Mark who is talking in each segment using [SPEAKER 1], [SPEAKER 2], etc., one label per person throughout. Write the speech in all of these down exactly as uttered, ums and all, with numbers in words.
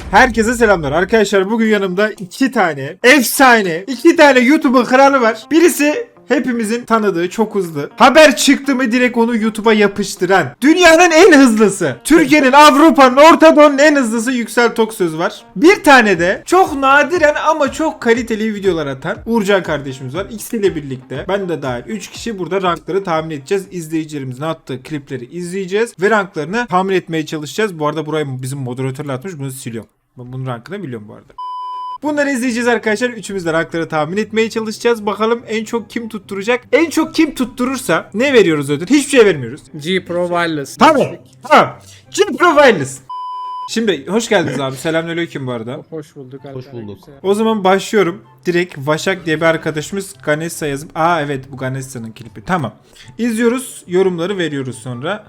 [SPEAKER 1] Herkese selamlar arkadaşlar. Bugün yanımda iki tane efsane, iki tane YouTube'un kralı var. Birisi hepimizin tanıdığı, çok hızlı. Haber çıktı mı direkt onu YouTube'a yapıştıran. Dünyanın en hızlısı. Türkiye'nin, Avrupa'nın, Orta Doğu'nun en hızlısı Yüksel Toksöz var. Bir tane de çok nadiren ama çok kaliteli videolar atan Uğurcan kardeşimiz var. İkisiyle birlikte ben de dahil üç kişi burada rankları tahmin edeceğiz. İzleyicilerimizin attığı klipleri izleyeceğiz ve ranklarını tahmin etmeye çalışacağız. Bu arada burayı bizim moderatörler atmış. Bunu siliyorum. Ben bunun rankını biliyorum bu arada. Bunları izleyeceğiz arkadaşlar. Üçümüz de rankları tahmin etmeye çalışacağız. Bakalım en çok kim tutturacak? En çok kim tutturursa ne veriyoruz ödül? Hiçbir şey vermiyoruz.
[SPEAKER 2] G Pro Wireless.
[SPEAKER 1] Tamam. Tamam. G Pro Wireless. Şimdi hoş geldiniz abi. Selamünaleyküm bu arada.
[SPEAKER 2] Hoş bulduk.
[SPEAKER 3] Hoş bulduk.
[SPEAKER 1] O zaman başlıyorum. Direkt Vaşak diye bir arkadaşımız Ganessa yazıp. Aa evet bu Ganessa'nın klipi. Tamam. İzliyoruz. Yorumları veriyoruz sonra.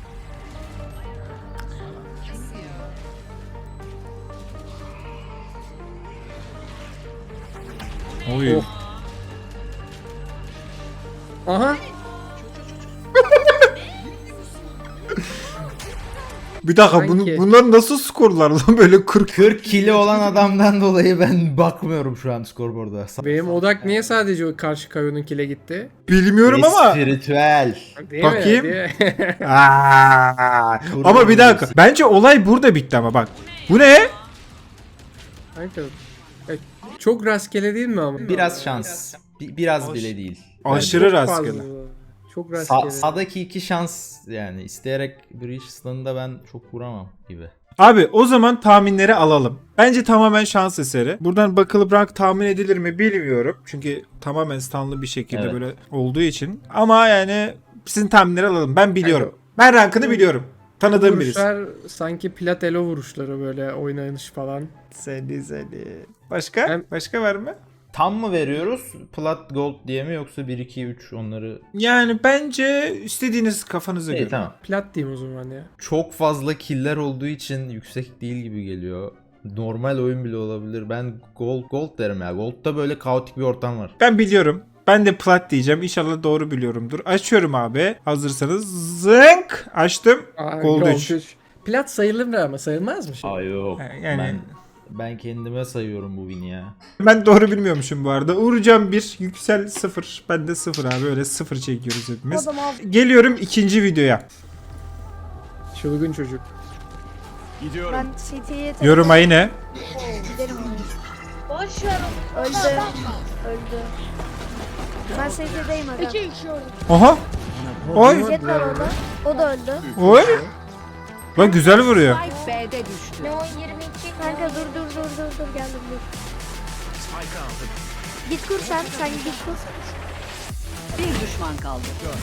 [SPEAKER 1] Oy.
[SPEAKER 2] Oh. Aha.
[SPEAKER 1] Bir dakika
[SPEAKER 2] Sanki.
[SPEAKER 1] bunu, bunlar nasıl skorlar lan böyle kırk
[SPEAKER 3] kırk kilo olan adamdan dolayı ben bakmıyorum şu an skorboarda.
[SPEAKER 2] Benim odak niye sadece o karşı kayonun gitti?
[SPEAKER 1] bilmiyorum ama.
[SPEAKER 3] Spiritüel.
[SPEAKER 2] Değil
[SPEAKER 1] Bakayım.
[SPEAKER 2] Mi? Değil mi?
[SPEAKER 1] Aa, ama bir dakika. Bence olay burada bitti ama bak. Bu ne?
[SPEAKER 2] Kanka, e, çok rastgele değil mi ama?
[SPEAKER 3] Biraz şans. Bi- biraz bile değil.
[SPEAKER 1] Aşırı
[SPEAKER 2] Çok
[SPEAKER 1] rastgele.
[SPEAKER 2] fazla. Çok
[SPEAKER 3] Sa-
[SPEAKER 2] rastgele.
[SPEAKER 3] sağdaki iki şans yani isteyerek Bridgestone'da ben çok vuramam gibi.
[SPEAKER 1] Abi o zaman tahminleri alalım. Bence tamamen şans eseri. Buradan bakılıp rank tahmin edilir mi bilmiyorum. Çünkü tamamen standlı bir şekilde
[SPEAKER 3] Evet.
[SPEAKER 1] böyle olduğu için. Ama yani sizin tahminleri alalım. Ben biliyorum. Ben rankını biliyorum. Tanıdığım birisi.
[SPEAKER 2] Vuruşlar sanki plat elo vuruşları böyle oynanış falan.
[SPEAKER 1] Seni seni. Başka?
[SPEAKER 2] Ben-
[SPEAKER 1] Başka var mı?
[SPEAKER 3] Tam mı veriyoruz? Plat gold diye mi yoksa bir iki üç onları?
[SPEAKER 1] Yani bence istediğiniz kafanıza
[SPEAKER 3] İyi
[SPEAKER 1] göre.
[SPEAKER 3] tamam.
[SPEAKER 2] Plat diyeyim o zaman ya.
[SPEAKER 3] Çok fazla killer olduğu için yüksek değil gibi geliyor. Normal oyun bile olabilir. Ben gold gold derim ya. Gold'da böyle kaotik bir ortam var.
[SPEAKER 1] Ben biliyorum. Ben de plat diyeceğim. İnşallah doğru biliyorumdur. Açıyorum abi. Hazırsanız. Zınk. Açtım.
[SPEAKER 2] Aa,
[SPEAKER 1] Gold üç.
[SPEAKER 2] Plat sayılır mı ama sayılmaz mı şimdi?
[SPEAKER 3] Aa yok.
[SPEAKER 1] Yani-
[SPEAKER 3] Ben ben kendime sayıyorum bu win'i ya.
[SPEAKER 1] Ben doğru bilmiyormuşum bu arada. Uğurcan bir, Yüksel sıfır. Ben de sıfır abi. Öyle sıfır çekiyoruz hepimiz. Geliyorum ikinci videoya.
[SPEAKER 2] Çılgın çocuk.
[SPEAKER 4] Ben City'ye
[SPEAKER 1] Yoruma yine.
[SPEAKER 4] giderim.
[SPEAKER 5] Boş ver.
[SPEAKER 4] Öldü. Öldü. Ben City'deyim aga.
[SPEAKER 5] İki kişi orada.
[SPEAKER 1] Oha. Oy.
[SPEAKER 4] Jet var orada. O da öldü.
[SPEAKER 1] Oy. Lan güzel vuruyor.
[SPEAKER 6] B'de düştü.
[SPEAKER 5] Leon yirmi iki.
[SPEAKER 4] Kanka dur dur dur dur dur geldim dur. Git kur sen. Sen git kur.
[SPEAKER 6] Bir düşman kaldı.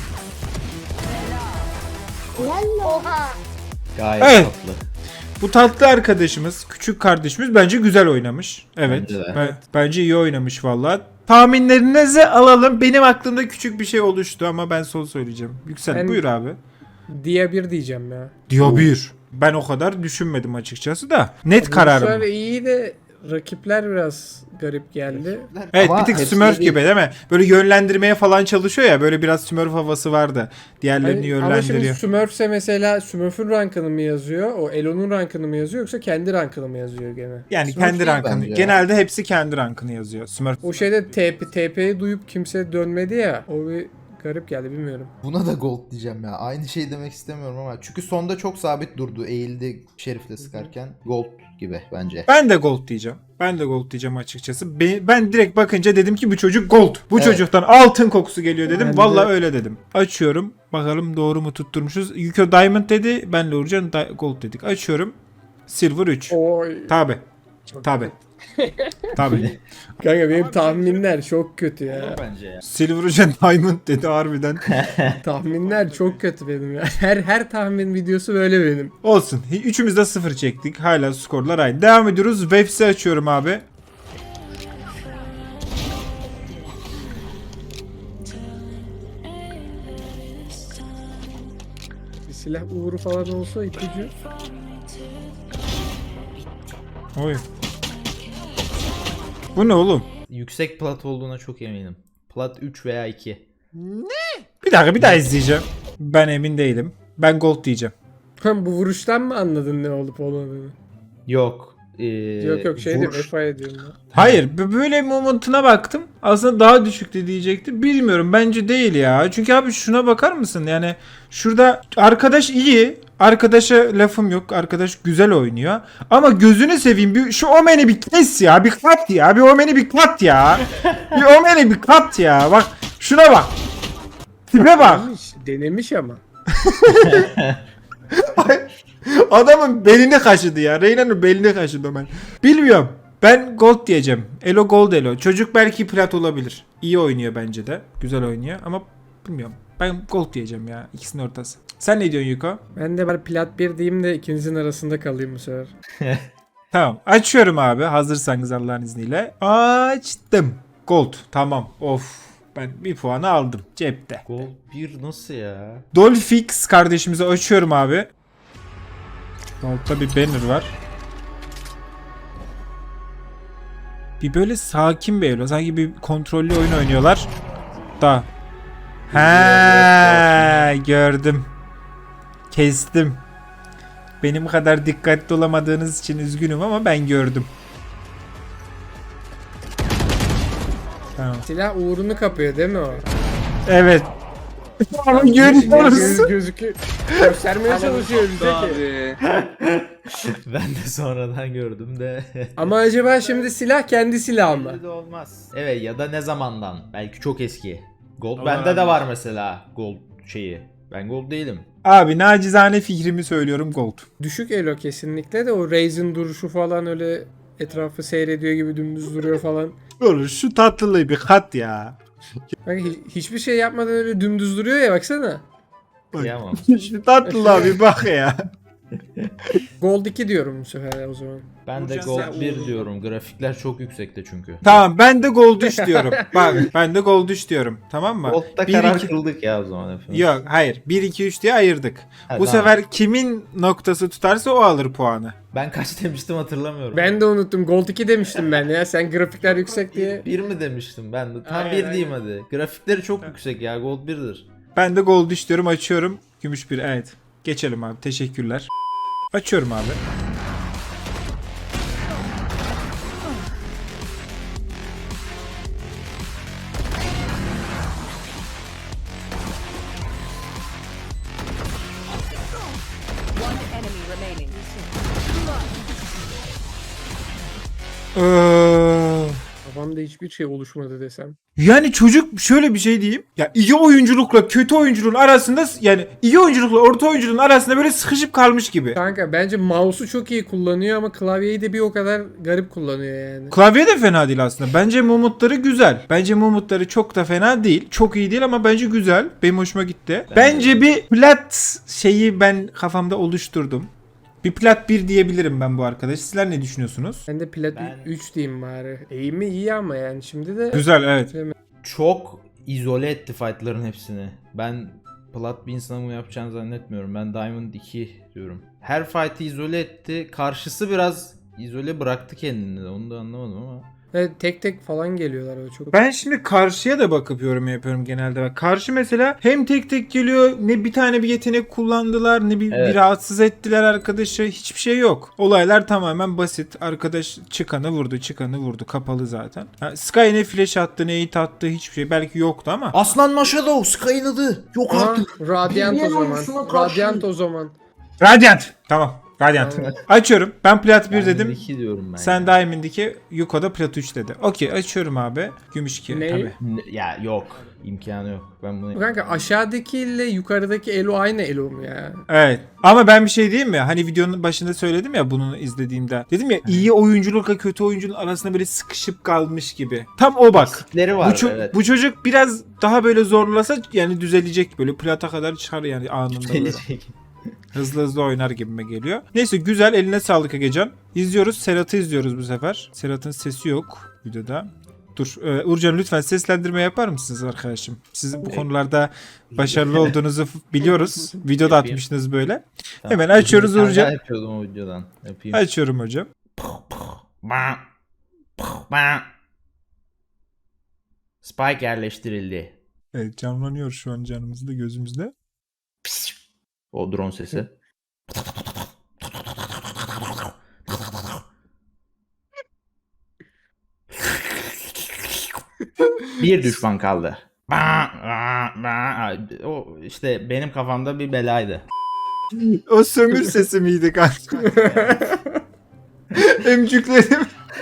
[SPEAKER 5] Oha.
[SPEAKER 3] Gayet
[SPEAKER 1] Evet.
[SPEAKER 3] tatlı.
[SPEAKER 1] Bu tatlı arkadaşımız, küçük kardeşimiz bence güzel oynamış. Evet.
[SPEAKER 3] Bence de.
[SPEAKER 1] Ben- bence iyi oynamış vallahi. Tahminlerinizi alalım. Benim aklımda küçük bir şey oluştu ama ben son söyleyeceğim. Yüksel
[SPEAKER 2] Ben-
[SPEAKER 1] buyur abi.
[SPEAKER 2] Diye bir diyeceğim ya.
[SPEAKER 1] Diyor bir. Ben o kadar düşünmedim açıkçası da. Net kararım.
[SPEAKER 2] Vuruşlar
[SPEAKER 1] bu.
[SPEAKER 2] iyi de rakipler biraz garip geldi.
[SPEAKER 1] Evet
[SPEAKER 3] Ama
[SPEAKER 1] bir tık
[SPEAKER 3] hepsi
[SPEAKER 1] Smurf
[SPEAKER 3] değil.
[SPEAKER 1] gibi değil mi? Böyle yönlendirmeye falan çalışıyor ya. Böyle biraz Smurf havası vardı. Diğerlerini
[SPEAKER 2] Hani, ama şimdi
[SPEAKER 1] yönlendiriyor.
[SPEAKER 2] Smurf'se mesela Smurf'ün rankını mı yazıyor? O Elo'nun rankını mı yazıyor yoksa kendi rankını mı yazıyor gene?
[SPEAKER 1] Yani
[SPEAKER 3] Smurf
[SPEAKER 1] kendi
[SPEAKER 3] değil
[SPEAKER 1] rankını.
[SPEAKER 3] bence ya.
[SPEAKER 1] Genelde hepsi kendi rankını yazıyor. Smurf.
[SPEAKER 2] O şeyde T P, T P'yi duyup kimse dönmedi ya. O bir garip geldi bilmiyorum.
[SPEAKER 7] Buna da gold diyeceğim ya. Aynı şey demek istemiyorum ama. Çünkü sonda çok sabit durdu. Eğildi Şerif'le sıkarken. Gold gibi bence.
[SPEAKER 1] Ben de gold diyeceğim. Ben de gold diyeceğim açıkçası. Ben, ben direkt bakınca dedim ki bu çocuk gold. Bu
[SPEAKER 7] Evet.
[SPEAKER 1] çocuktan altın kokusu geliyor dedim.
[SPEAKER 2] Ben de-
[SPEAKER 1] Vallahi öyle dedim. Açıyorum. Bakalım doğru mu tutturmuşuz. Yuko Diamond dedi. Benle Uğurcan Di- gold dedik. Açıyorum. Silver üç.
[SPEAKER 2] Oy.
[SPEAKER 1] Tabi. Tabi. Tabi.
[SPEAKER 2] Kanka benim tahminler çok kötü ya.
[SPEAKER 3] Bence ya.
[SPEAKER 1] Silver üç'e Diamond dedi harbiden.
[SPEAKER 2] Tahminler çok kötü benim ya. Her her tahmin videosu böyle benim.
[SPEAKER 1] Olsun. Üçümüz de sıfır çektik. Hala skorlar aynı. Devam ediyoruz. Webs'i açıyorum abi.
[SPEAKER 2] Bir silah uğru falan olsa ipucu.
[SPEAKER 1] Oy. Bu ne oğlum?
[SPEAKER 3] Yüksek plat olduğuna çok eminim. Plat üç veya iki.
[SPEAKER 1] Bir dakika bir daha izleyeceğim. Ben emin değilim. Ben gold diyeceğim.
[SPEAKER 2] Hem bu vuruştan mı anladın ne olup olmadığını?
[SPEAKER 3] Yok. e,
[SPEAKER 2] Yok yok şey
[SPEAKER 3] vuruş-
[SPEAKER 2] diyeyim F I diyorum ben.
[SPEAKER 1] Hayır b- böyle momentuna baktım. Aslında daha düşüktü diyecekti. Bilmiyorum bence değil ya. Çünkü abi şuna bakar mısın? Yani şurada arkadaş iyi. Arkadaşa lafım yok. Arkadaş güzel oynuyor. Ama gözünü seveyim. Bir, şu Omen'i bir kes ya. Bir kat ya. Bir Omen'i bir kat ya. Bir Omen'i bir kat ya. Bak şuna bak. Tipe bak.
[SPEAKER 2] Denemiş, denemiş ama.
[SPEAKER 1] Adamın belini kaşıdı ya. Reyna'nın belini kaşıdı Omen. Bilmiyorum. Ben gold diyeceğim. Elo gold elo. Çocuk belki plat olabilir. İyi oynuyor bence de. Güzel oynuyor ama bilmiyorum. Ben gold diyeceğim ya. İkisinin ortası. Sen ne diyorsun Yuko?
[SPEAKER 2] Ben de bari plat bir diyeyim de ikinizin arasında kalayım bu sefer.
[SPEAKER 1] Tamam. Açıyorum abi. Hazırsanız Allah'ın izniyle. Açtım. Gold. Tamam. Of. Ben bir puanı aldım. Cepte.
[SPEAKER 3] Gold bir nasıl ya?
[SPEAKER 1] Dolfix kardeşimizi açıyorum abi. Altta bir banner var. Bir böyle sakin bir elo. Sanki bir kontrollü oyun oynuyorlar. Da. He gördüm. Kestim. Benim kadar dikkatli olamadığınız için üzgünüm ama ben gördüm. Tamam.
[SPEAKER 2] Silah uğrunu kapıyor değil mi o?
[SPEAKER 1] Evet. Ama görüyoruz.
[SPEAKER 2] Göz, gözükü göstermeye çalışıyor bize ki.
[SPEAKER 3] Ben de sonradan gördüm de.
[SPEAKER 2] Ama acaba şimdi silah kendi silahı mı?
[SPEAKER 3] Belli de olmaz. Evet ya da ne zamandan? Belki çok eski. Gold bende de var mesela. Gold şeyi. Ben gold değilim.
[SPEAKER 1] Abi nacizane fikrimi söylüyorum gold.
[SPEAKER 2] Düşük elo kesinlikle de o Raze'in duruşu falan öyle etrafı seyrediyor gibi dümdüz duruyor falan.
[SPEAKER 1] Olur şu tatlılığı bir kat ya.
[SPEAKER 2] Bak hi- hiçbir şey yapmadan öyle dümdüz duruyor ya baksana.
[SPEAKER 3] Kıyamam.
[SPEAKER 1] Şu tatlılığa bir bak ya.
[SPEAKER 2] Gold iki diyorum bu sefer o zaman.
[SPEAKER 3] Ben de gold bir diyorum. Grafikler çok yüksekte çünkü.
[SPEAKER 1] Tamam ben de gold üç diyorum. Bak ben de gold üç diyorum. Tamam mı?
[SPEAKER 3] Gold'da
[SPEAKER 1] Bir,
[SPEAKER 3] karar
[SPEAKER 1] iki-
[SPEAKER 3] kıldık ya o zaman efendim.
[SPEAKER 1] Yok hayır. bir iki üç diye ayırdık.
[SPEAKER 3] Ha,
[SPEAKER 1] Bu
[SPEAKER 3] tamam.
[SPEAKER 1] sefer kimin noktası tutarsa o alır puanı.
[SPEAKER 3] Ben kaç demiştim hatırlamıyorum.
[SPEAKER 2] Ben de unuttum. Gold iki demiştim ben ya. Sen grafikler yüksek diye.
[SPEAKER 3] bir mi demiştim ben de? Tam
[SPEAKER 2] Aynen,
[SPEAKER 3] bir
[SPEAKER 2] aynen.
[SPEAKER 3] diyeyim hadi. Grafikleri çok yüksek ya. Gold birdir.
[SPEAKER 1] Ben de gold üç diyorum. Açıyorum. Gümüş bir. Evet. Geçelim abi. Teşekkürler. Açıyorum abi.
[SPEAKER 6] One enemy remaining.
[SPEAKER 1] Ee,
[SPEAKER 2] Kafamda hiçbir şey oluşmadı desem.
[SPEAKER 1] yani çocuk şöyle bir şey diyeyim. Ya iyi oyunculukla kötü oyunculuğun arasında yani iyi oyunculukla orta oyunculuğun arasında böyle sıkışıp kalmış gibi.
[SPEAKER 2] Kanka bence mouse'u çok iyi kullanıyor ama klavyeyi de bir o kadar garip kullanıyor yani.
[SPEAKER 1] Klavye de fena değil aslında. Bence mumutları güzel. Bence mumutları çok da fena değil. Çok iyi değil ama bence güzel. Benim hoşuma gitti. Bence bir plat şeyi ben kafamda oluşturdum. Bir plat bir diyebilirim ben bu arkadaş. Sizler ne düşünüyorsunuz?
[SPEAKER 2] Ben de plat
[SPEAKER 3] Ben-
[SPEAKER 2] üç diyeyim bari. Eğimi iyi ama yani şimdi de
[SPEAKER 1] Güzel evet.
[SPEAKER 3] Çok izole etti fightların hepsini. Ben plat bir insana bunu yapacağını zannetmiyorum. Ben Diamond iki diyorum. Her fight'ı izole etti. Karşısı biraz izole bıraktı kendini de. Onu da anlamadım ama.
[SPEAKER 2] evet, tek tek falan geliyorlar öyle çok.
[SPEAKER 1] Ben şimdi karşıya da bakıp yorum yapıyorum genelde. Bak karşı mesela hem tek tek geliyor ne bir tane bir yetenek kullandılar ne bir,
[SPEAKER 3] Evet.
[SPEAKER 1] bir rahatsız ettiler arkadaşı. Hiçbir şey yok. Olaylar tamamen basit. Arkadaş çıkanı vurdu çıkanı vurdu. Kapalı zaten. Ha, Sky ne flash attı ne hit attı hiçbir şey. Belki yoktu ama.
[SPEAKER 7] Aslan Maşado Sky'ın adı. Yok
[SPEAKER 2] Aha,
[SPEAKER 7] artık.
[SPEAKER 2] Radiant o
[SPEAKER 7] Bir
[SPEAKER 2] zaman.
[SPEAKER 7] oyuncusuna karşı-
[SPEAKER 2] Radiant o zaman.
[SPEAKER 1] Radiant. Tamam. Radiant.
[SPEAKER 2] Aynen.
[SPEAKER 1] Açıyorum. Ben plat bir
[SPEAKER 3] Diamond
[SPEAKER 1] dedim.
[SPEAKER 3] iki diyorum ben.
[SPEAKER 1] Sen
[SPEAKER 3] ya.
[SPEAKER 1] Diamond iki, Yuko da plat üç dedi. Okey açıyorum abi. Gümüş iki
[SPEAKER 2] Ne?
[SPEAKER 1] tabii.
[SPEAKER 3] Ne- Ya yok. İmkanı yok. Ben bunu
[SPEAKER 2] Kanka aşağıdaki ile yukarıdaki elo aynı elo mu ya?
[SPEAKER 1] Evet. Ama ben bir şey diyeyim mi? Hani videonun başında söyledim ya bunu izlediğimde. Dedim ya iyi oyunculukla kötü oyuncunun arasında böyle sıkışıp kalmış gibi. Tam o bak.
[SPEAKER 3] eksikleri
[SPEAKER 1] Bu,
[SPEAKER 3] var.
[SPEAKER 1] ço-
[SPEAKER 3] evet.
[SPEAKER 1] bu çocuk biraz daha böyle zorlasa yani düzelecek böyle plata kadar çıkar yani anında böyle.
[SPEAKER 3] Gelecek.
[SPEAKER 1] Hızlı hızlı oynar gibime geliyor. Neyse güzel eline sağlık Egecan. İzliyoruz. Serhat'ı izliyoruz bu sefer. Serhat'ın sesi yok videoda. Dur. E, Uğurcan lütfen seslendirme yapar mısınız arkadaşım? Siz bu konularda başarılı olduğunuzu f- biliyoruz. Videoda
[SPEAKER 3] Yapayım.
[SPEAKER 1] atmışsınız böyle.
[SPEAKER 3] Tamam.
[SPEAKER 1] Hemen açıyoruz
[SPEAKER 3] Bir tane
[SPEAKER 1] Uğurcan.
[SPEAKER 3] daha yapıyordum o videodan. Yapayım.
[SPEAKER 1] Açıyorum hocam.
[SPEAKER 3] Spike yerleştirildi.
[SPEAKER 1] Evet canlanıyor şu an canımızda gözümüzde.
[SPEAKER 3] O drone sesi. Bir düşman kaldı. Ba, ba, ba. O işte benim kafamda bir belaydı.
[SPEAKER 1] O sömür sesi miydi kanka? Emcüklerim.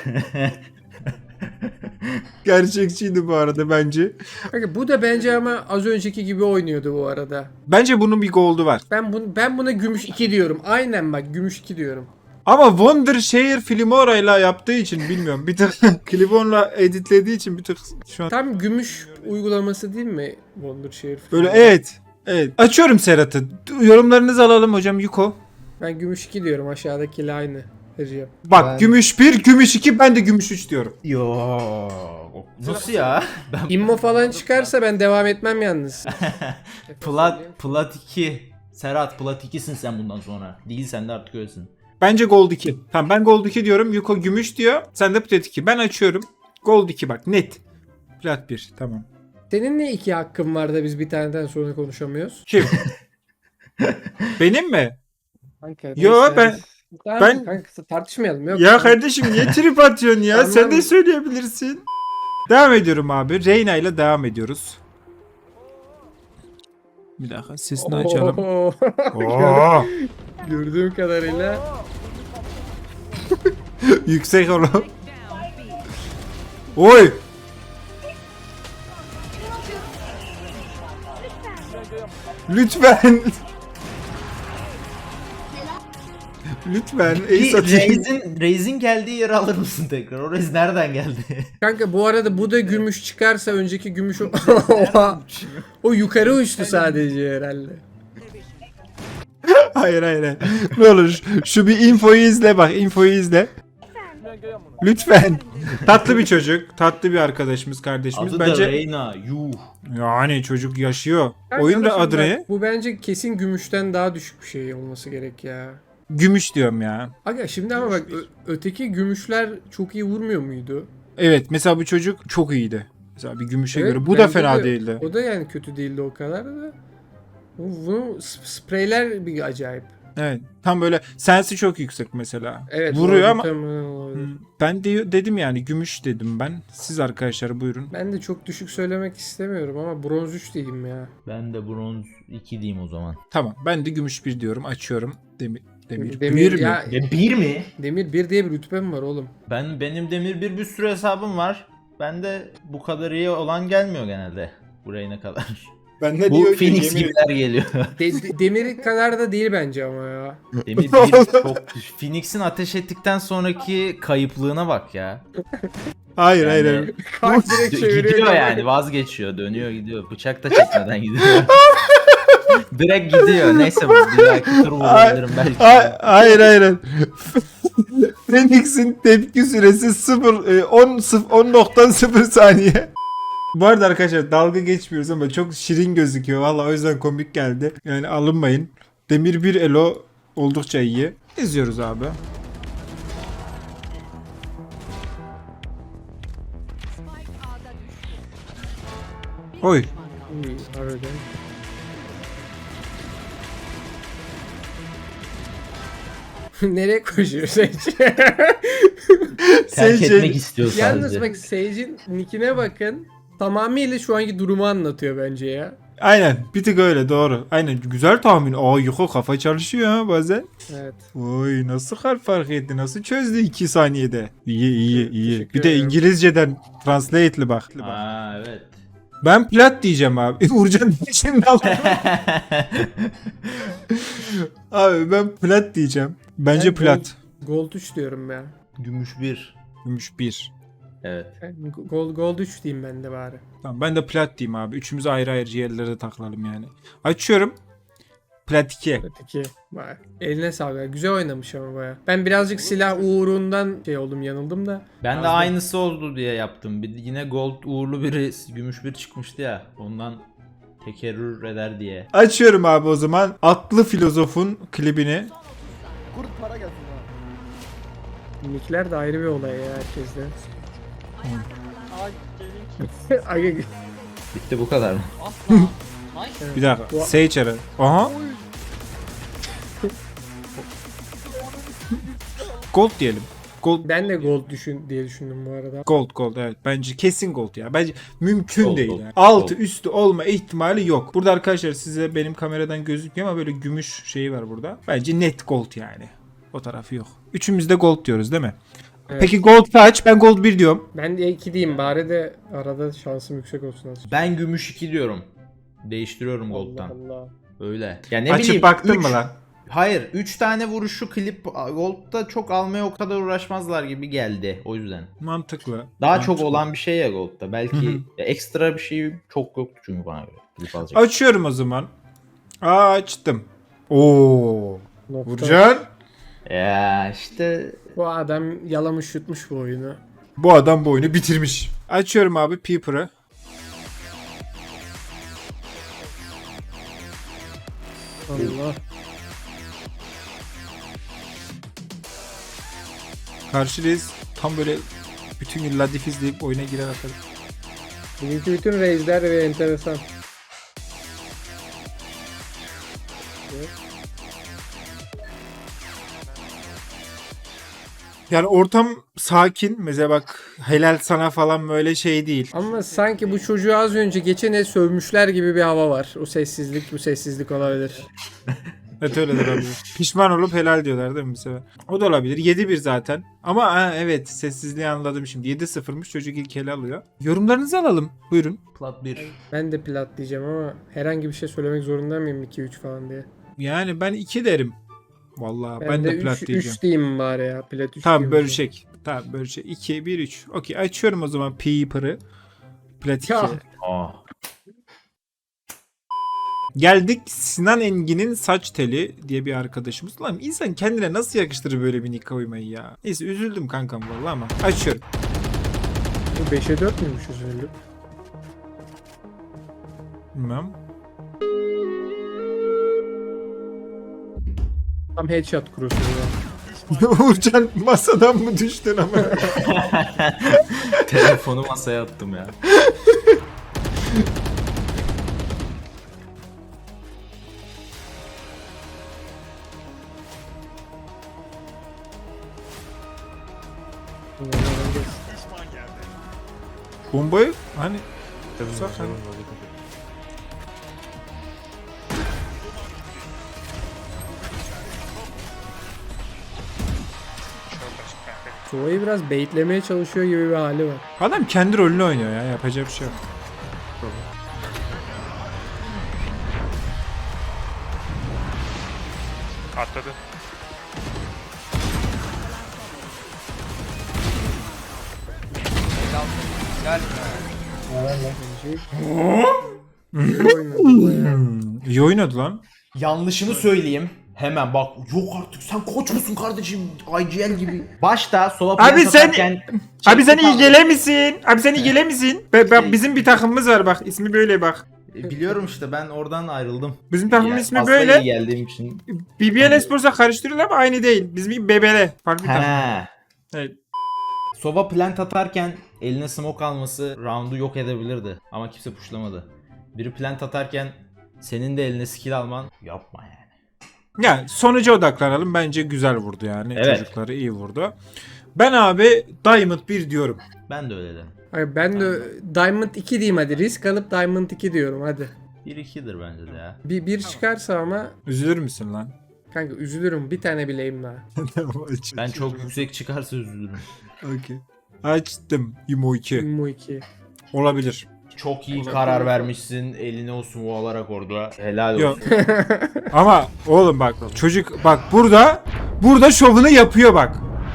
[SPEAKER 1] Gerçekçiydi bu arada bence.
[SPEAKER 2] Kanka bu da bence ama az önceki gibi oynuyordu bu arada.
[SPEAKER 1] Bence bunun bir gold'u var.
[SPEAKER 2] Ben bunu ben buna gümüş iki diyorum. Aynen bak gümüş iki diyorum.
[SPEAKER 1] Ama Wondershare Filmora'yla yaptığı için bilmiyorum. Bir tık Clibon'la editlediği için bir tık şu an
[SPEAKER 2] Tam gümüş uygulaması değil mi Wondershare?
[SPEAKER 1] böyle evet. Evet. Açıyorum Serhat'ı. Yorumlarınızı alalım hocam Yuko.
[SPEAKER 2] Ben gümüş iki diyorum, aşağıdakiyle aynı. Recep.
[SPEAKER 1] Bak
[SPEAKER 7] Ben-
[SPEAKER 1] gümüş bir, gümüş iki, ben de gümüş üç diyorum.
[SPEAKER 3] Yo. Nasıl ya? Ben
[SPEAKER 2] İmmo falan çıkarsa ben devam etmem yalnız.
[SPEAKER 3] plat plat iki. Serhat plat ikisin sen bundan sonra. Değil sen de artık öylesin.
[SPEAKER 1] Bence gold iki. Tamam ben gold iki diyorum. Yuko gümüş diyor. Sen de plat iki. Ben açıyorum. Gold iki bak net. Plat bir tamam.
[SPEAKER 2] Senin ne iki hakkın var da biz bir taneden sonra konuşamıyoruz?
[SPEAKER 1] Kim? Benim mi?
[SPEAKER 2] Kanka,
[SPEAKER 1] Yo,
[SPEAKER 2] neyse.
[SPEAKER 1] ben-
[SPEAKER 2] Tamam,
[SPEAKER 1] ben-
[SPEAKER 2] kanka, tartışmayalım. Yok,
[SPEAKER 1] Ya
[SPEAKER 2] tamam.
[SPEAKER 1] kardeşim niye trip atıyorsun ya?
[SPEAKER 2] Tamam.
[SPEAKER 1] Sen de söyleyebilirsin. Devam ediyorum abi. Reyna ile devam ediyoruz. Bir dakika sesini açalım.
[SPEAKER 2] Oo.
[SPEAKER 1] Oo,
[SPEAKER 2] Gördüğüm kadarıyla
[SPEAKER 1] yüksek oğlum. Oy. Lütfen. Lütfen. Ace atayım.
[SPEAKER 3] Reis'in Reis'in geldiği yeri alır mısın tekrar? O Reis nereden geldi?
[SPEAKER 2] kanka bu arada bu da gümüş çıkarsa önceki gümüş o, Oha. O yukarı uçtu sadece herhalde.
[SPEAKER 1] Hayır hayır hayır. Ne olur şu bir infoyu izle bak infoyu izle. Lütfen. Tatlı bir çocuk. Tatlı bir arkadaşımız kardeşimiz.
[SPEAKER 3] Adı da
[SPEAKER 1] Bence
[SPEAKER 3] Reyna. Yuh.
[SPEAKER 1] yani çocuk yaşıyor.
[SPEAKER 2] Kanka
[SPEAKER 1] Oyun
[SPEAKER 2] ama
[SPEAKER 1] da
[SPEAKER 2] şimdi
[SPEAKER 1] adı
[SPEAKER 2] bak,
[SPEAKER 1] ne?
[SPEAKER 2] Bu bence kesin gümüşten daha düşük bir şey olması gerek ya.
[SPEAKER 1] Gümüş diyorum ya.
[SPEAKER 2] Aga şimdi ama bak ö- öteki gümüşler çok iyi vurmuyor muydu?
[SPEAKER 1] Evet mesela bu çocuk çok iyiydi. Mesela bir gümüşe
[SPEAKER 2] Evet,
[SPEAKER 1] göre. Bu da
[SPEAKER 2] bence
[SPEAKER 1] fena
[SPEAKER 2] de-
[SPEAKER 1] değildi.
[SPEAKER 2] O da yani kötü değildi o kadar da. Bu, bunu sp- spreyler bir acayip.
[SPEAKER 1] Evet. Tam böyle sensi çok yüksek mesela.
[SPEAKER 2] Evet.
[SPEAKER 1] Vuruyor
[SPEAKER 2] o
[SPEAKER 1] ama
[SPEAKER 2] muhtemelen olabilir.
[SPEAKER 1] Hmm, ben de, dedim yani gümüş dedim ben. Siz arkadaşlar buyurun.
[SPEAKER 2] Ben de çok düşük söylemek istemiyorum ama bronz üç diyeyim ya.
[SPEAKER 3] Ben de bronz iki diyeyim o zaman.
[SPEAKER 1] Tamam ben de gümüş bir diyorum. Açıyorum. Demir, demir,
[SPEAKER 2] Demir
[SPEAKER 1] bir mi?
[SPEAKER 2] ya,
[SPEAKER 3] E bir mi?
[SPEAKER 2] Demir bir diye bir rütbem var oğlum.
[SPEAKER 3] Ben benim demir bir bir sürü hesabım var. Ben de bu kadar iyi olan gelmiyor genelde. Buraya ne kadar.
[SPEAKER 1] Ben ne
[SPEAKER 3] Bu
[SPEAKER 1] diyor ki,
[SPEAKER 3] Phoenix
[SPEAKER 1] yemin-
[SPEAKER 3] gibiler geliyor.
[SPEAKER 2] De- de- demir kadar da değil bence ama ya.
[SPEAKER 3] Demir bir çok düş. Phoenix'in ateş ettikten sonraki kayıplığına bak ya.
[SPEAKER 1] Hayır
[SPEAKER 3] Yani-
[SPEAKER 1] hayır hayır.
[SPEAKER 2] Kalk direkt
[SPEAKER 3] Dö-
[SPEAKER 2] çeviriyor.
[SPEAKER 3] gidiyor yani vazgeçiyor dönüyor gidiyor. Bıçak da çekmeden gidiyor. Direkt gidiyor. Neyse bir dahaki tur vurabilirim belki.
[SPEAKER 1] Hayır hayır hayır. Phoenix'in tepki süresi sıfır on nokta sıfır saniye. Bu arada arkadaşlar dalga geçmiyoruz ama çok şirin gözüküyor. Valla o yüzden komik geldi. Yani alınmayın. Demir bir elo oldukça iyi. İzliyoruz abi. Oy.
[SPEAKER 2] Uy, harbiden. Nereye koşuyor Sage?
[SPEAKER 3] Terk
[SPEAKER 1] Sage-
[SPEAKER 3] etmek istiyor sadece.
[SPEAKER 2] Yalnız bak Sage'in nickine bakın. Tamamıyla şu anki durumu anlatıyor bence ya.
[SPEAKER 1] Aynen bir tık öyle doğru. Aynen güzel tahmin. Aa Yuko kafa çalışıyor ha bazen.
[SPEAKER 2] Evet.
[SPEAKER 1] Oy nasıl harf fark etti? Nasıl çözdü iki saniyede? İyi iyi iyi.
[SPEAKER 2] Teşekkür
[SPEAKER 1] Bir de
[SPEAKER 2] ederim.
[SPEAKER 1] İngilizceden translate'li bak.
[SPEAKER 3] Aa evet.
[SPEAKER 1] Ben plat diyeceğim abi. Uğurcan şimdi aldım. Abi ben plat diyeceğim. Bence
[SPEAKER 2] Ben
[SPEAKER 1] plat.
[SPEAKER 2] Gold üç diyorum ben.
[SPEAKER 3] Gümüş bir.
[SPEAKER 1] Gümüş bir.
[SPEAKER 3] Evet.
[SPEAKER 2] Ben Gold, Gold üç diyeyim ben de bari.
[SPEAKER 1] Tamam ben de plat diyeyim abi. Üçümüz ayrı ayrı yerlere takılalım yani. Açıyorum. Plat iki.
[SPEAKER 2] Öteki. Vay. Eline sağlık. Güzel oynamış ama baya. Ben birazcık silah uğrundan şey oldum, yanıldım da.
[SPEAKER 3] Ben de
[SPEAKER 2] Az da-
[SPEAKER 3] aynısı oldu diye yaptım. Bir, yine gold uğurlu biri gümüş bir çıkmıştı ya. Ondan tekerrür eder diye.
[SPEAKER 1] Açıyorum abi o zaman. Atlı filozofun klibini.
[SPEAKER 2] Nickler de ayrı bir olay ya herkeste. Aga,
[SPEAKER 3] Bitti bu kadar mı?
[SPEAKER 1] Bir dakika.
[SPEAKER 2] Bu-
[SPEAKER 1] Sage ara. Aha. Gold diyelim. Gold
[SPEAKER 2] Ben de gold düşün diye düşündüm bu arada.
[SPEAKER 1] Gold gold evet. Bence kesin gold ya. Bence mümkün
[SPEAKER 3] Gold,
[SPEAKER 1] değil
[SPEAKER 3] gold,
[SPEAKER 1] yani. Altı
[SPEAKER 3] gold.
[SPEAKER 1] üstü olma ihtimali yok. Burada arkadaşlar size benim kameradan gözükmüyor ama böyle gümüş şeyi var burada. Bence net gold yani. O tarafı yok. Üçümüz de gold diyoruz değil mi?
[SPEAKER 2] Evet.
[SPEAKER 1] Peki gold kaç? Ben gold bir diyorum.
[SPEAKER 2] Ben de iki diyeyim bari de arada şansım yüksek olsun aslında.
[SPEAKER 3] Ben gümüş iki diyorum. Değiştiriyorum
[SPEAKER 2] Allah
[SPEAKER 3] gold'dan.
[SPEAKER 2] Allah.
[SPEAKER 3] Öyle. Ya ne
[SPEAKER 1] Açıp
[SPEAKER 3] bileyim.
[SPEAKER 1] baktın
[SPEAKER 3] üç-
[SPEAKER 1] mı lan?
[SPEAKER 3] Hayır. üç tane vuruşu klip gold'da çok almaya o kadar uğraşmazlar gibi geldi. O yüzden.
[SPEAKER 1] Mantıklı.
[SPEAKER 3] Daha
[SPEAKER 1] Mantıklı.
[SPEAKER 3] çok olan bir şey ya gold'da. Belki
[SPEAKER 1] Hı hı.
[SPEAKER 3] ya ekstra bir şey çok yoktu çünkü bana göre. Klip alacak.
[SPEAKER 1] Açıyorum o zaman. Aa, açtım. Oo.
[SPEAKER 2] Nokta.
[SPEAKER 1] Vurcan.
[SPEAKER 3] Ya işte
[SPEAKER 2] Bu adam yalamış yutmuş bu oyunu.
[SPEAKER 1] Bu adam bu oyunu bitirmiş. Açıyorum abi Peeper'ı.
[SPEAKER 2] Allah.
[SPEAKER 1] Karşıdayız. Tam böyle bütün gün Ladif izleyip oyuna girer atarım.
[SPEAKER 2] Bugünkü bütün reisler ve enteresan.
[SPEAKER 1] Yani ortam sakin. Mesela bak helal sana falan böyle şey değil.
[SPEAKER 2] Ama sanki bu çocuğu az önce geçen el sövmüşler gibi bir hava var. O sessizlik bu sessizlik olabilir.
[SPEAKER 1] Evet öyle de olabilir. Pişman olup helal diyorlar değil mi bir sefer? O da olabilir. yedi bir zaten. Ama ha, evet sessizliği anladım şimdi. yedi sıfırmış çocuk ilk ele alıyor. Yorumlarınızı alalım. Buyurun.
[SPEAKER 3] plat bir.
[SPEAKER 2] Ben de plat diyeceğim ama herhangi bir şey söylemek zorunda mıyım iki üç falan diye.
[SPEAKER 1] Yani ben iki derim. Vallahi ben,
[SPEAKER 2] Ben,
[SPEAKER 1] de
[SPEAKER 2] de
[SPEAKER 1] plat
[SPEAKER 2] üç
[SPEAKER 1] diyeceğim.
[SPEAKER 2] diyeyim bari ya. Plat üç
[SPEAKER 1] Tamam
[SPEAKER 2] diyeyim.
[SPEAKER 1] bölüşek. Tamam bölüşek. iki bir üç. Okey açıyorum o zaman Peeper'ı. Plat iki.
[SPEAKER 2] Ya.
[SPEAKER 3] Aa.
[SPEAKER 1] Geldik Sinan Engin'in saç teli diye bir arkadaşımız. Lan insan kendine nasıl yakıştırır böyle bir nika uymayı ya. Neyse üzüldüm kankam vallahi ama açıyorum.
[SPEAKER 2] Bu beşe dört müymüş üzüldüm.
[SPEAKER 1] Bilmem.
[SPEAKER 2] Tam headshot kurusu ya.
[SPEAKER 1] Uğurcan masadan mı düştün ama?
[SPEAKER 3] Telefonu masaya attım ya.
[SPEAKER 1] Bombayı hani zaten
[SPEAKER 2] Sova'yı biraz baitlemeye çalışıyor gibi bir hali var.
[SPEAKER 1] adam kendi rolünü oynuyor ya yapacak bir şey yok.
[SPEAKER 8] Atladı.
[SPEAKER 2] İyi oynadı bayağı.
[SPEAKER 1] Hmm, iyi oynadı lan.
[SPEAKER 3] Yanlışını söyleyeyim. Hemen bak yok artık sen koç musun kardeşim I G L gibi. Başta sola
[SPEAKER 1] Abi
[SPEAKER 3] piyasa
[SPEAKER 1] sen-
[SPEAKER 3] atarken
[SPEAKER 1] Abi sen iyi
[SPEAKER 3] çekti
[SPEAKER 1] gele misin? Abi sen iyi gele misin? Be- be- bizim bir takımımız var bak ismi böyle bak.
[SPEAKER 3] E, biliyorum işte ben oradan ayrıldım.
[SPEAKER 1] Bizim takımın
[SPEAKER 3] Yani
[SPEAKER 1] ismi
[SPEAKER 3] fazla
[SPEAKER 1] böyle.
[SPEAKER 3] iyi geldiğim için.
[SPEAKER 1] B B L Esports'a karıştırıyorlar ama aynı değil. Bizim bir B B L. Farklı bir takım.
[SPEAKER 3] He.
[SPEAKER 1] Evet.
[SPEAKER 3] Sova plant atarken eline smoke alması roundu yok edebilirdi. Ama kimse pushlamadı. Biri plant atarken senin de eline skill alman yapma yani.
[SPEAKER 1] Yani sonuca odaklanalım. Bence güzel vurdu yani.
[SPEAKER 3] Evet.
[SPEAKER 1] Çocukları iyi vurdu. Ben abi Diamond bir diyorum.
[SPEAKER 3] Ben de öyle dedim.
[SPEAKER 2] Hayır, ben de Diamond iki diyeyim hadi. Risk alıp Diamond iki diyorum hadi.
[SPEAKER 3] bir ikidir bence de ya.
[SPEAKER 2] Bir, bir çıkarsa ama
[SPEAKER 1] Üzülür müsün lan?
[SPEAKER 2] kanka üzülürüm. Bir tane bileyim daha.
[SPEAKER 3] Ben çok yüksek çıkarsa üzülürüm.
[SPEAKER 1] Okey. Açtım. Imo iki.
[SPEAKER 2] Immo iki.
[SPEAKER 1] Olabilir.
[SPEAKER 3] Çok iyi karar vermişsin. Eline o smoke alarak orada. Helal
[SPEAKER 1] Yok.
[SPEAKER 3] olsun.
[SPEAKER 1] Ama oğlum bak çocuk bak burada burada şovunu yapıyor bak.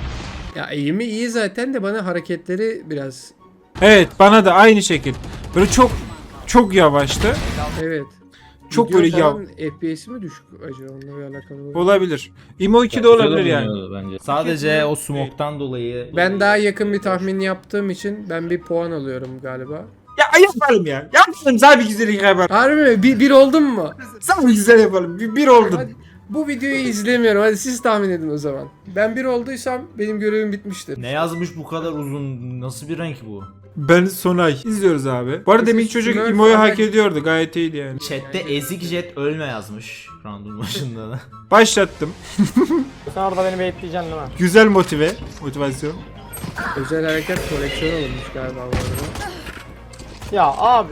[SPEAKER 2] Ya eğimi iyi zaten de bana hareketleri biraz
[SPEAKER 1] Evet bana da aynı şekil. Böyle çok çok yavaştı.
[SPEAKER 2] evet.
[SPEAKER 1] Çok
[SPEAKER 2] Video
[SPEAKER 1] böyle yav.
[SPEAKER 2] falan F P S'i mi düşük acaba onunla bir alakalı olabilir.
[SPEAKER 1] Olabilir. Imo iki de
[SPEAKER 3] Güzel
[SPEAKER 1] olabilir yani.
[SPEAKER 3] oynuyordu Bence. Sadece o smoke'tan dolayı.
[SPEAKER 2] Ben daha yakın bir tahmin yaptığım için ben bir puan alıyorum galiba.
[SPEAKER 1] Ya yapalım ya. Yapalım sana bir güzellik yapalım.
[SPEAKER 2] Harbi mi? Bir, bir oldum mu?
[SPEAKER 1] Sana bir güzel yapalım. Bir, bir oldun.
[SPEAKER 2] Hadi, bu videoyu izlemiyorum. Hadi siz tahmin edin o zaman. Ben bir olduysam benim görevim bitmiştir.
[SPEAKER 3] Ne yazmış bu kadar uzun? Nasıl bir renk bu?
[SPEAKER 1] Ben Sonay. İzliyoruz abi. Bu arada demin çocuk
[SPEAKER 2] Smurf
[SPEAKER 1] Imo'yu
[SPEAKER 2] falan-
[SPEAKER 1] hak ediyordu. Gayet iyiydi yani.
[SPEAKER 3] Chat'te ezik jet ölme yazmış. Round'un başında da.
[SPEAKER 1] Başlattım.
[SPEAKER 8] Sen orada beni bekleyeceksin değil mi?
[SPEAKER 1] Güzel motive. Motivasyon.
[SPEAKER 2] Özel hareket koleksiyon olmuş galiba bu arada.
[SPEAKER 8] Ya abi.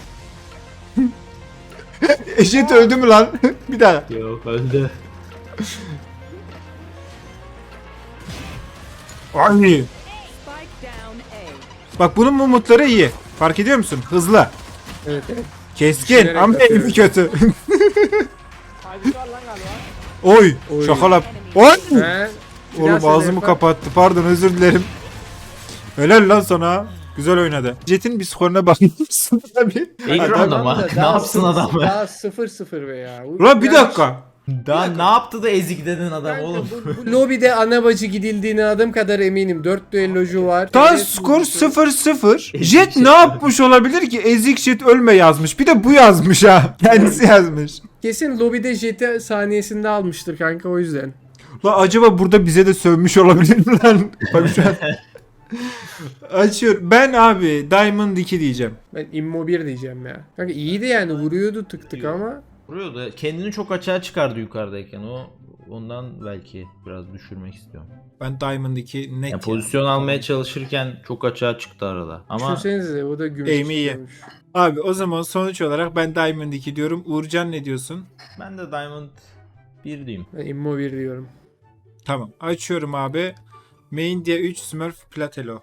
[SPEAKER 1] Eşit öldü mü lan? Bir daha.
[SPEAKER 3] Yok öldü.
[SPEAKER 1] Ay.
[SPEAKER 6] Spike down A.
[SPEAKER 1] Bak bunun mumutları iyi. Fark ediyor musun? Hızlı.
[SPEAKER 2] Evet evet.
[SPEAKER 1] Keskin
[SPEAKER 2] Düşünerek
[SPEAKER 1] ama
[SPEAKER 2] atıyor.
[SPEAKER 1] evi kötü.
[SPEAKER 8] Kaybı var lan galiba.
[SPEAKER 1] Oy.
[SPEAKER 2] Oy.
[SPEAKER 1] Şakalap. Oy.
[SPEAKER 2] He? Bir daha
[SPEAKER 1] Oğlum
[SPEAKER 2] söyle
[SPEAKER 1] ağzımı
[SPEAKER 2] Efe.
[SPEAKER 1] kapattı. Pardon özür dilerim. Helal lan sana. Güzel oynadı. Jet'in bir skoruna bakar mısın abi?
[SPEAKER 3] Ekran
[SPEAKER 1] Adam-
[SPEAKER 3] adam ha.
[SPEAKER 2] da
[SPEAKER 3] Ne
[SPEAKER 2] daha
[SPEAKER 3] yapsın
[SPEAKER 2] sıfır-
[SPEAKER 3] adam be?
[SPEAKER 2] Daha sıfır sıfır be ya. Bu-
[SPEAKER 1] Ulan bir
[SPEAKER 2] yani-
[SPEAKER 1] dakika.
[SPEAKER 3] Daha ne yaptı da ezik dedin adam
[SPEAKER 2] Kanka,
[SPEAKER 3] oğlum.
[SPEAKER 2] bu, bu lobide ana bacı gidildiğine adım kadar eminim. dört düellocu var.
[SPEAKER 1] Daha
[SPEAKER 2] Evet,
[SPEAKER 1] skor
[SPEAKER 2] bu-
[SPEAKER 1] sıfır sıfır.
[SPEAKER 3] Ezik
[SPEAKER 1] Jet
[SPEAKER 3] Jet.
[SPEAKER 1] ne yapmış olabilir ki? Ezik Jet ölme yazmış. Bir de bu yazmış ha. Kendisi yazmış.
[SPEAKER 2] Kesin lobide jeti saniyesinde almıştır kanka o yüzden.
[SPEAKER 1] La acaba burada bize de sövmüş olabilir mi lan? Bak şu an. Açıyorum. Ben abi Diamond iki diyeceğim.
[SPEAKER 2] Ben immo bir diyeceğim ya. Kanka iyiydi yani vuruyordu tık tık ama.
[SPEAKER 3] Vuruyor da kendini çok açığa çıkardı yukarıdayken. O ondan belki biraz düşürmek istiyorum.
[SPEAKER 1] Ben Diamond iki net.
[SPEAKER 3] Ya
[SPEAKER 1] ya.
[SPEAKER 3] pozisyon almaya çalışırken çok açığa çıktı arada. Ama
[SPEAKER 2] Düşünsenize o da gümüş
[SPEAKER 1] Aim'i iyi.
[SPEAKER 2] çıkıyormuş.
[SPEAKER 1] Abi o zaman sonuç olarak ben Diamond iki diyorum. Uğurcan ne diyorsun?
[SPEAKER 3] ben de Diamond bir diyeyim.
[SPEAKER 2] Ben immo bir diyorum.
[SPEAKER 1] Tamam. Açıyorum abi. Main diye üç Smurf Platelo.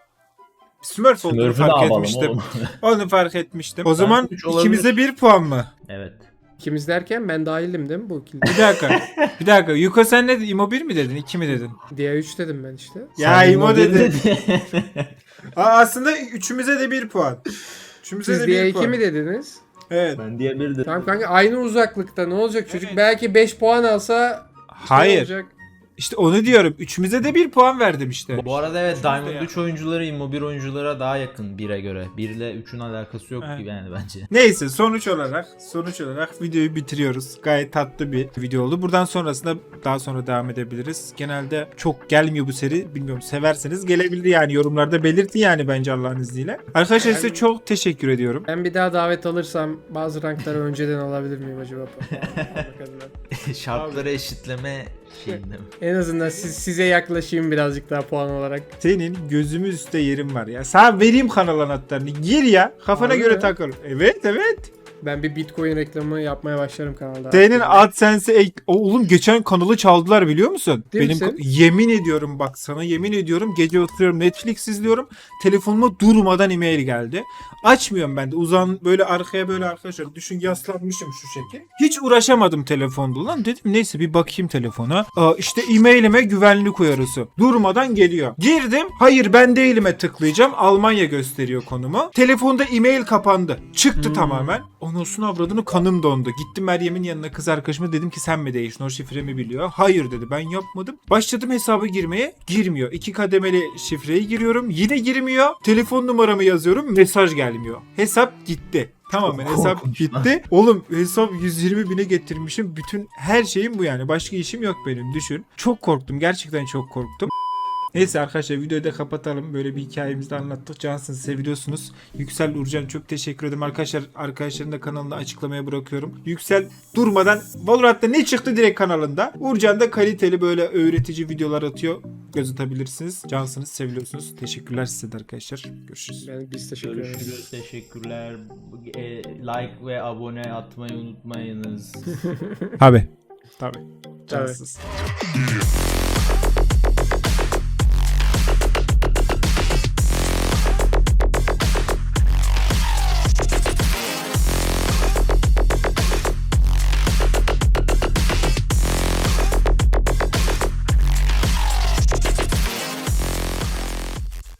[SPEAKER 1] Smurf olduğunu
[SPEAKER 3] Smurf'ü ne
[SPEAKER 1] fark
[SPEAKER 3] yapalım
[SPEAKER 1] etmiştim.
[SPEAKER 3] oğlum?
[SPEAKER 1] Onu fark etmiştim. O zaman
[SPEAKER 3] üç olabilir.
[SPEAKER 1] ikimize bir puan mı?
[SPEAKER 3] Evet.
[SPEAKER 2] İkimiz derken ben dahildim değil mi bu kilde?
[SPEAKER 1] Bir dakika. bir dakika. Yuko sen ne dedin? İmo bir mi dedin? iki mi dedin?
[SPEAKER 2] Diğer üç dedim ben işte.
[SPEAKER 1] Ya
[SPEAKER 3] Sen
[SPEAKER 1] İmo
[SPEAKER 3] İmo
[SPEAKER 1] dedi.
[SPEAKER 3] dedin.
[SPEAKER 1] Aa, aslında üçümüze de bir puan. Üçümüze
[SPEAKER 2] Siz
[SPEAKER 1] de
[SPEAKER 2] diğer
[SPEAKER 1] bir
[SPEAKER 2] iki
[SPEAKER 1] puan.
[SPEAKER 2] mi dediniz?
[SPEAKER 1] Evet.
[SPEAKER 3] ben diye bir dedim.
[SPEAKER 2] Tamam kanka aynı uzaklıkta ne olacak çocuk
[SPEAKER 1] Evet.
[SPEAKER 2] belki beş puan alsa ne
[SPEAKER 1] Hayır.
[SPEAKER 2] olacak?
[SPEAKER 1] İşte onu diyorum. Üçümüze de bir puan verdim işte.
[SPEAKER 3] Bu arada evet
[SPEAKER 1] Üçümüz de
[SPEAKER 3] Diamond
[SPEAKER 1] ya.
[SPEAKER 3] üç oyuncuları Immo bir oyunculara daha yakın bire göre. bir ile üçün alakası yok
[SPEAKER 1] Evet.
[SPEAKER 3] gibi yani bence.
[SPEAKER 1] Neyse sonuç olarak sonuç olarak videoyu bitiriyoruz. Gayet tatlı bir video oldu. Buradan sonrasında daha sonra devam edebiliriz. Genelde çok gelmiyor bu seri. Bilmiyorum severseniz gelebilir yani yorumlarda belirtin yani bence Allah'ın izniyle. Arkadaşlar size çok teşekkür ediyorum.
[SPEAKER 2] Ben bir daha davet alırsam bazı rankları önceden alabilir miyim acaba? Bakalım ben.
[SPEAKER 3] Şartları eşitleme şeyinde mi?
[SPEAKER 2] En azından siz, size yaklaşayım birazcık daha puan olarak.
[SPEAKER 1] Senin gözümüz üstte yerin var ya. Sana vereyim kanal anahtarını. Gir ya. Kafana
[SPEAKER 2] Harbi
[SPEAKER 1] göre
[SPEAKER 2] mi?
[SPEAKER 1] takıl. Evet evet.
[SPEAKER 2] Ben bir Bitcoin reklamı yapmaya başlarım kanalda.
[SPEAKER 1] Senin AdSense'e ek... Oğlum geçen kanalı çaldılar biliyor musun?
[SPEAKER 2] Değil
[SPEAKER 1] Benim
[SPEAKER 2] misin?
[SPEAKER 1] yemin ediyorum bak sana yemin ediyorum gece oturuyorum Netflix izliyorum. Telefonuma durmadan e-mail geldi. Açmıyorum ben de uzan böyle arkaya böyle arkadaşlar düşün yaslanmışım şu şekil. Hiç uğraşamadım telefonda lan dedim neyse bir bakayım telefona. Aa, işte e-mailime güvenlik uyarısı. Durmadan geliyor. Girdim hayır ben değilime tıklayacağım. Almanya gösteriyor konumu. Telefonda e-mail kapandı. Çıktı tamamen. Anasını avradını kanım dondu. Gittim Meryem'in yanına kız arkadaşıma dedim ki sen mi değiştin o şifremi biliyor. Hayır dedi ben yapmadım. Başladım hesabı girmeye girmiyor. İki kademeli şifreyi giriyorum yine girmiyor. Telefon numaramı yazıyorum mesaj gelmiyor. Hesap gitti. Tamamen
[SPEAKER 3] Çok
[SPEAKER 1] hesap
[SPEAKER 3] korkunç
[SPEAKER 1] gitti. Oğlum hesap yüz yirmi bine getirmişim. Bütün her şeyim bu yani. Başka işim yok benim düşün. Çok korktum. Gerçekten çok korktum. Neyse arkadaşlar videoyu da kapatalım. Böyle bir hikayemizi de anlattık. Cansınız seviyorsunuz. Yüksel Urcan çok teşekkür ederim. Arkadaşlar arkadaşların da kanalını açıklamaya bırakıyorum. Yüksel durmadan Valorant'ta ne çıktı direkt kanalında. Urcan da kaliteli böyle öğretici videolar atıyor. Göz atabilirsiniz. Cansınız seviyorsunuz. Teşekkürler size de arkadaşlar. Görüşürüz.
[SPEAKER 2] Ben biz teşekkür ederiz.
[SPEAKER 3] Görüşürüz. Teşekkürler. E, like ve abone atmayı unutmayınız.
[SPEAKER 1] Tabi. Tabi.
[SPEAKER 2] Tabii.
[SPEAKER 1] Cansınız.